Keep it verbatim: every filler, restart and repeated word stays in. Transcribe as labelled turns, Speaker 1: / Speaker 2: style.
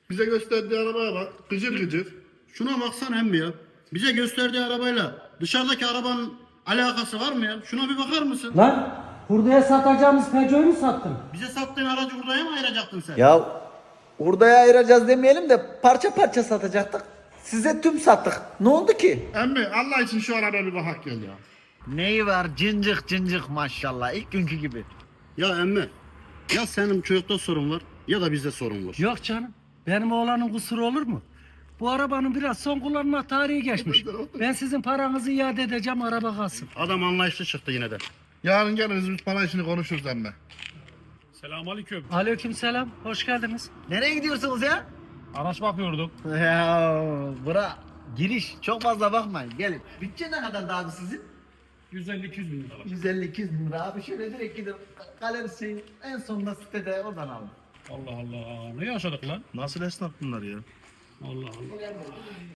Speaker 1: Bize gösterdiği arabaya bak. Gıcır gıcır.
Speaker 2: Şuna baksana emmi ya. Bize gösterdiği arabayla dışarıdaki arabanın alakası var mı ya? Şuna bir bakar mısın?
Speaker 3: Lan hurdaya satacağımız Peugeot'u mu sattın?
Speaker 2: Bize sattığın aracı hurdaya mı ayıracaktın sen?
Speaker 4: Ya hurdaya ayıracağız demeyelim de parça parça satacaktık. Size tüm sattık. Ne oldu ki?
Speaker 1: Emmi Allah için şu arabaya bir bakak gel ya.
Speaker 5: Neyi var cıncık cıncık maşallah ilk günkü gibi.
Speaker 2: Ya emmi, ya senin çocukta sorun var ya da bizde sorun var.
Speaker 6: Yok canım. Benim oğlanın kusuru olur mu? Bu arabanın biraz son kullanma tarihi geçmiş. Ben sizin paranızı iade edeceğim, araba kalsın.
Speaker 2: Adam anlayışlı çıktı yine de.
Speaker 1: Yarın geliriz biz para işini konuşuruz emmi.
Speaker 6: Aleykümselam, hoş geldiniz.
Speaker 5: Nereye gidiyorsunuz ya?
Speaker 6: Araç bakıyorduk.
Speaker 5: Ya bura giriş çok fazla bakmayın gelin. Bütçe ne kadar abi sizin?
Speaker 6: yüz elli iki yüz bin lira.
Speaker 5: yüz elli iki yüz bin lira abi şöyle direkt gidip galerisi en sonunda sitede oradan alın.
Speaker 6: Allah Allah, ne yaşadık lan?
Speaker 2: Nasıl esnaf bunlar ya?
Speaker 6: Allah Allah.